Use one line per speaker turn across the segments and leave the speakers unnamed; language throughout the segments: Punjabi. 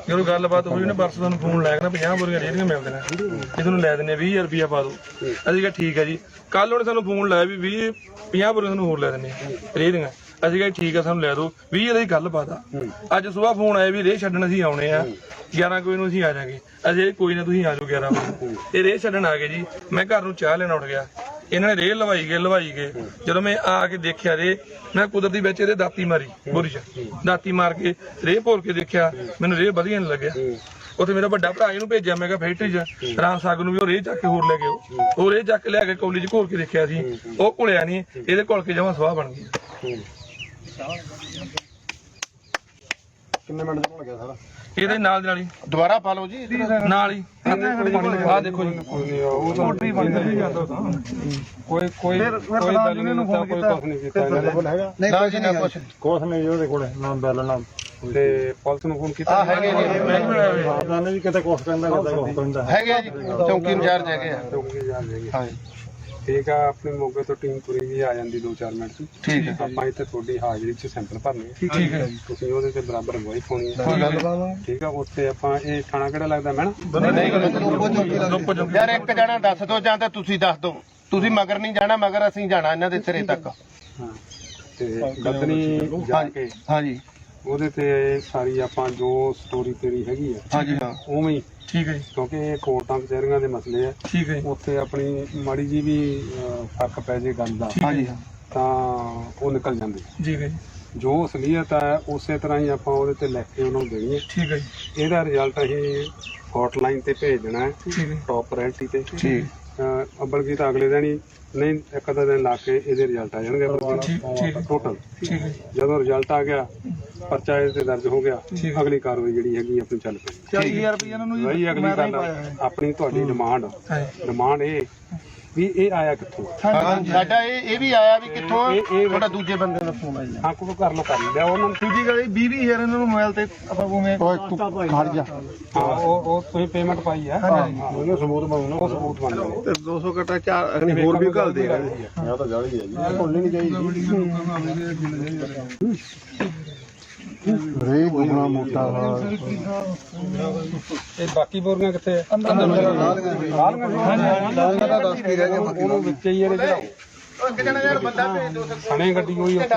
ਜਦੋਂ ਗੱਲਬਾਤ ਹੋਈ ਉਹਨੇ ਪਰਸੋਂ ਤੁਹਾਨੂੰ ਫੋਨ ਲਾਇਆ ਕਹਿੰਦਾ 50 ਬੋਰੀਆਂ ਰੇਹੜੀਆਂ ਮਿਲਦੇ ਨੇ ਇਹ ਤੁਹਾਨੂੰ ਲੈ ਦਿੰਦੇ 20000 ਰੁਪਇਆ ਪਾ ਦਿਓ। ਅਸੀਂ ਕਿਹਾ ਠੀਕ ਹੈ ਜੀ। ਕੱਲ ਉਹਨੇ ਸਾਨੂੰ ਫੋਨ ਲਾਇਆ ਵੀ 50 ਬੋਰੀਆਂ ਤੁਹਾਨੂੰ ਹੋਰ ਲੈ ਦਿੰਦੇ ਰੇਹੜੀਆਂ। ਅਸੀਂ ਕਿਹਾ ਠੀਕ ਹੈ ਸਾਨੂੰ ਲੈ ਦਿਓ 20 ਦੀ ਗੱਲਬਾਤ ਆ। ਅੱਜ ਸਵੇਰ ਫੋਨ ਆਇਆ ਵੀ ਰੇਹ ਛੱਡਣ ਅਸੀਂ ਆਉਣੇ ਆ 11 ਕੋਈ ਨੂੰ ਅਸੀਂ ਆ ਜਾਾਂਗੇ। ਅਸੀਂ ਕੋਈ ਨਾ ਤੁਸੀਂ ਆ ਜਾਓ 11 ਵਜੇ। ਇਹ ਰੇਹ ਛੱਡਣ ਆ ਗਏ ਜੀ। ਮੈਂ ਘਰ ਨੂੰ ਚਾਹ ਲੈਣ ਉੱਠ ਗਿਆ। ਇਹਨਾਂ ਨੇ ਰੇਹ ਲਵਾਈ ਗਏ। ਜਦੋਂ ਮੈਂ ਆ ਕੇ ਦੇਖਿਆ ਮੈਂ ਕੁਦਰਤੀ ਵਿੱਚ ਇਹਦੇ ਦਾਤੀ ਮਾਰੀ ਬੋਰੀ ਚ ਦਾਤੀ ਮਾਰ ਕੇ ਰੇਹ ਭੋਰ ਕੇ ਦੇਖਿਆ ਮੈਨੂੰ ਰੇਹ ਵਧੀਆ ਨਹੀਂ ਲੱਗਿਆ। ਉੱਥੇ ਮੇਰਾ ਵੱਡਾ ਭਰਾ ਇਹਨੂੰ ਭੇਜਿਆ ਮੈਂ ਕਿਹਾ ਫੈਕਟਰੀ ਚ ਰਾਮ ਸਾਗ ਨੂੰ ਵੀ ਉਹ ਰੇਹ ਚੱਕ ਕੇ ਹੋਰ ਲੈ ਕੇ ਉਹ ਰੇਹ ਚੱਕ ਲਿਆ ਕੇ ਕੌਲੀ ਚ ਘੋਲ ਕੇ ਦੇਖਿਆ ਸੀ ਉਹ ਘੁਲਿਆ ਨਹੀਂ ਇਹਦੇ ਘੁਲ ਕੇ ਜਮਾਂ ਸਵਾਹ ਬਣ ਗਈ।
ਕਿੰਨੇ ਮਿੰਟ ਚ ਭੁੱਲ ਗਿਆ ਸਾਰਾ
ਇਹਦੇ ਨਾਲ ਹੀ
ਦੁਬਾਰਾ ਪਾ ਲਓ ਜੀ
ਨਾਲ ਹੀ ਆਹ ਦੇਖੋ ਜੀ
ਉਹ ਤਾਂ ਮੋਟਰੀ ਬਣ ਗਈ ਜਾਂਦਾ ਤਾਂ ਕੋਈ ਗੱਲ ਨਹੀਂ ਕੋਈ ਕੁਝ ਨਹੀਂ ਕੀਤਾ ਨਾ ਜੀ ਨਾ ਕੁਛ ਨਹੀਂ ਉਹਦੇ ਕੋਲ ਨਾ ਬੈਲ ਨਾ ਤੇ ਪੁਲਿਸ ਨੂੰ ਫੋਨ ਕੀਤਾ ਹੈਗੇ ਜੀ ਆਪਦਾਂ ਨੇ ਵੀ ਕਿਤੇ ਕੁਛ ਕਹਿੰਦਾ ਕਿਤੇ ਕੁਛ ਕਹਿੰਦਾ ਹੈਗੇ ਜੀ ਚੌਂਕੀ ਇੰਚਾਰਜ ਹੈਗੇ ਆ ਹਾਂ ਠੀਕ ਆ। ਆਪਣੇ ਮੋਗੇ ਤੋਂ ਟੀਮ ਪੂਰੀ ਵੀ ਆ ਜਾਂਦੀ 2-4 ਮਿੰਟ ਚ। ਠੀਕ ਹੈ ਆਪਾਂ ਇੱਥੇ ਤੁਹਾਡੀ ਹਾਜ਼ਰੀ ਚ ਸੈਂਪਲ ਭਰਨੇ ਠੀਕ ਹੈ ਤੁਸੀਂ ਉਹਦੇ ਤੇ ਬਰਾਬਰ ਗਵਾਹੀ ਪਾਉਣੀ ਹੈ ਠੀਕ ਆ। ਉੱਥੇ ਆਪਾਂ ਇਹ ਥਾਣਾ ਕਿਹੜਾ ਲੱਗਦਾ ਮੈਂ
ਯਾਰ ਇੱਕ ਜਣਾ ਦੱਸ ਦੋ ਜਾਂ ਤਾਂ ਤੁਸੀਂ ਦੱਸ ਦੋ ਤੁਸੀਂ ਮਗਰ ਨਹੀਂ ਜਾਣਾ ਮਗਰ ਅਸੀਂ ਜਾਣਾ ਇਹਨਾਂ ਦੇ ਸਿਰੇ ਤੱਕ।
ਹਾਂ ਤੇ ਗਦਨੀ ਜਾ ਕੇ
ਹਾਂਜੀ
ਉਹਦੇ ਤੇ ਸਾਰੀ ਆਪਾਂ ਜੋ ਸਟੋਰੀ ਤੇਰੀ ਹੈਗੀ ਆ
ਹਾਂਜੀ ਹਾਂ
ਉਵੇਂ ਹੀ
ਠੀਕ ਹੈ ਜੀ
ਕਿਉਂਕਿ ਇਹ ਕੋਰਟਾਂ ਕਚਹਿਰੀਆਂ ਦੇ ਮਸਲੇ ਆ।
ਠੀਕ ਹੈ
ਉੱਥੇ ਆਪਣੀ ਮਾੜੀ ਜੀ ਵੀ ਫਰਕ ਪੈ ਜੇ ਗੱਲ ਦਾ
ਹਾਂਜੀ
ਤਾਂ ਉਹ ਨਿਕਲ ਜਾਂਦੇ
ਜੀ ਹੈ ਜੀ
ਜੋ ਅਸਲੀਅਤ ਹੈ ਉਸੇ ਤਰ੍ਹਾਂ ਹੀ ਆਪਾਂ ਉਹਦੇ ਤੇ ਲਿਖ ਕੇ ਉਹਨਾਂ ਨੂੰ ਦੇਣੀ ਹੈ।
ਠੀਕ ਹੈ ਜੀ
ਇਹਦਾ ਰਿਜ਼ਲਟ ਅਸੀਂ ਹੌਟਲਾਈਨ ਤੇ ਭੇਜ ਦੇਣਾ ਹੈ
ਠੀਕ ਹੈ
ਟੌਪ ਪ੍ਰਾਇੋਰਟੀ ਤੇ
ਠੀਕ
ਅੱਬਲ ਕੀ ਤਾਂ ਅਗਲੇ ਦਿਨ ਹੀ ਨਹੀਂ ਇੱਕ ਅੱਧਾ ਦਿਨ ਲਾ ਕੇ ਇਹਦੇ ਰਿਜ਼ਲਟ ਆ ਜਾਣਗੇ ਟੋਟਲ।
ਠੀਕ ਹੈ
ਜਦੋਂ ਰਿਜ਼ਲਟ ਆ ਗਿਆ ਪਰਚਾ ਇਹਦੇ ਤੇ ਦਰਜ ਹੋ ਗਿਆ ਅਗਲੀ ਕਾਰਵਾਈ ਜਿਹੜੀ ਹੈਗੀ ਆਪਣੀ ਚੱਲ ਪਈ।
40000 ਰੁਪਏ ਇਹਨਾਂ ਨੂੰ
ਵਹੀ ਅਗਲੀ ਗੱਲ ਆਪਣੀ ਤੁਹਾਡੀ ਡਿਮਾਂਡ ਇਹ ਵੀ ਇਹ ਆਇਆ ਕਿੱਥੋਂ
ਸਾਡਾ ਇਹ ਵੀ ਆਇਆ ਵੀ ਕਿੱਥੋਂ ਤੁਹਾਡਾ ਦੂਜੇ ਬੰਦੇ ਦਾ ਫੋਨ ਆਇਆ
ਹਾਂ ਕੋਈ ਕਰ ਲਿਆ ਉਹਨਾਂ ਨੂੰ
ਦੂਜੀ ਗੱਲ 20000 ਇਹਨਾਂ ਨੂੰ ਮੋਬਾਈਲ ਤੇ ਆਪਾਂ ਉਵੇਂ
ਖੜ ਜਾ
ਹਾਂ ਉਹ ਤੁਸੀਂ ਪੇਮੈਂਟ ਪਾਈ ਆ ਉਹਨੂੰ ਸਬੂਤ ਬਣਾਉਣਾ ਉਹ ਸਬੂਤ ਬਣ ਜਾਵੇ
ਤੇ 200 ਘਟਾ 4 ਅਗਨੀ ਹੋਰ ਵੀ ਘੱਲ ਦੇਗਾ
ਇਹ ਤਾਂ ਜਾਲੀ ਹੈ ਜੀ ਭੁੱਲਣੀ ਨਹੀਂ ਚਾਹੀਦੀ
ਰੇ ਗੁਣਾ ਮੋਟਾ
ਇਹ ਬਾਕੀ ਬੋਰੀਆਂ ਕਿੱਥੇ ਆ ਉਹਨੂੰ ਵਿੱਚ ਹੀ ਇਹਦੇ ਚੜਾਓ
ਇੱਕ ਜਣਾ ਯਾਰ ਬੰਦਾ ਭੇਜ ਦੋ
ਸਣੇ ਗੱਡੀ ਹੋਈ ਉੱਥੇ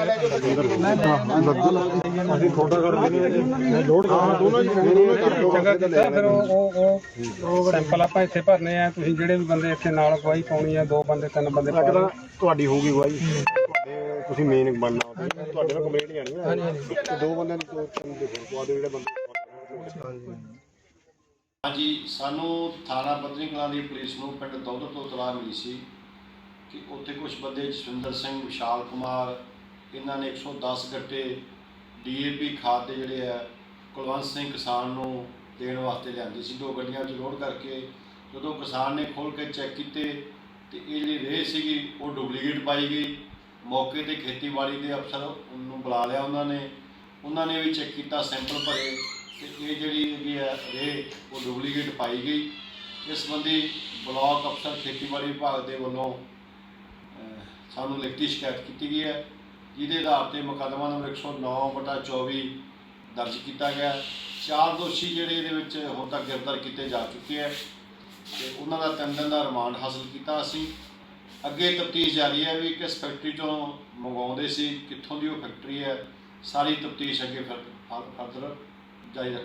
ਅਸੀਂ ਥੋੜਾ ਕਰ ਦਿੰਦੇ ਲੋਡ ਕਰਨਾ ਦੋਨੋਂ ਚੰਗਾ ਕੀਤਾ ਫਿਰ ਉਹ ਸੈਂਪਲ ਆਪਾਂ ਇੱਥੇ ਭਰਨੇ ਆ। ਤੁਸੀਂ ਜਿਹੜੇ ਵੀ ਬੰਦੇ ਇੱਥੇ ਨਾਲ ਗਵਾਹੀ ਪਾਉਣੀ ਆ 2 ਬੰਦੇ 3 ਬੰਦੇ ਤੁਹਾਡੀ ਹੋਊਗੀ ਗਵਾਹੀ ਤੁਹਾਡੇ ਤੁਸੀਂ ਮੇਨ ਬਣਨਾ ਤੁਹਾਡੇ ਨਾਲ ਕੰਪਲੇਂਟ ਜਾਣੀ ਹੈ 2 ਬੰਦਿਆਂ ਦੀ 3 ਦੇ ਹੋਰ ਪਵਾ ਦਿਓ ਜਿਹੜੇ ਬੰਦੇ
ਹਾਂਜੀ ਸਾਨੂੰ ਥਾਣਾ ਬੱਧਨੀ ਕਲਾਂ ਦੀ ਪੁਲਿਸ ਨੂੰ ਪਿੰਡ ਦੌਲਤ ਤੋਂ ਇਤਲਾਹ ਮਿਲੀ ਸੀ ਕਿ ਉੱਥੇ ਕੁਝ ਬੰਦੇ ਜਸਵਿੰਦਰ ਸਿੰਘ ਵਿਸ਼ਾਲ ਕੁਮਾਰ ਇਹਨਾਂ ਨੇ 110 ਗੱਟੇ DAP ਖਾਦ ਦੇ ਜਿਹੜੇ ਆ ਕੁਲਵੰਤ ਸਿੰਘ ਕਿਸਾਨ ਨੂੰ ਦੇਣ ਵਾਸਤੇ ਲਿਆਂਦੀ ਸੀ 2 ਗੱਡੀਆਂ ਵਿੱਚ ਲੋਡ ਕਰਕੇ। ਜਦੋਂ ਕਿਸਾਨ ਨੇ ਖੋਲ੍ਹ ਕੇ ਚੈੱਕ ਕੀਤੇ ਤੇ ਇਹ ਜਿਹੜੀ ਰੇਹ ਸੀਗੀ ਉਹ ਡੁਪਲੀਕੇਟ ਪਾਈ ਗਈ। ਮੌਕੇ ਤੇ ਖੇਤੀਬਾੜੀ ਦੇ ਅਫਸਰ ਨੂੰ ਬੁਲਾ ਲਿਆ ਉਹਨਾਂ ਨੇ ਵੀ ਚੈੱਕ ਕੀਤਾ ਸੈਂਪਲ ਭਰੇ ਤੇ ਇਹ ਜਿਹੜੀ ਹੈਗੀ ਆ ਰੇਹ ਉਹ ਡੁਪਲੀਕੇਟ ਪਾਈ ਗਈ। ਇਸ ਸੰਬੰਧੀ ਬਲਾਕ ਅਫਸਰ ਖੇਤੀਬਾੜੀ ਵਿਭਾਗ ਦੇ ਵੱਲੋਂ ਸਾਨੂੰ ਲਿਖਤੀ ਸ਼ਿਕਾਇਤ ਕੀਤੀ ਗਈ ਹੈ ਜਿਹਦੇ ਆਧਾਰ ਤੇ ਮੁਕੱਦਮਾ ਨੰਬਰ 109/24 ਦਰਜ ਕੀਤਾ ਗਿਆ। 4 ਦੋਸ਼ੀ ਜਿਹੜੇ ਇਹਦੇ ਵਿੱਚ ਹੁਣ ਤੱਕ ਗ੍ਰਿਫਤਾਰ ਕੀਤੇ ਜਾ ਚੁੱਕੇ ਹੈ ਤੇ ਉਹਨਾਂ ਦਾ 3 ਦਿਨ ਦਾ ਰਿਮਾਂਡ ਹਾਸਲ ਕੀਤਾ। ਅਸੀਂ ਅੱਗੇ ਤਫਤੀਸ਼ ਜਾਰੀ ਹੈ ਵੀ ਕਿਸ ਫੈਕਟਰੀ ਤੋਂ ਮੰਗਵਾਉਂਦੇ ਸੀ ਕਿੱਥੋਂ ਦੀ ਉਹ ਫੈਕਟਰੀ ਹੈ ਸਾਰੀ ਤਫਤੀਸ਼ ਅੱਗੇ ਫਰਦਰ ਜਾਰੀ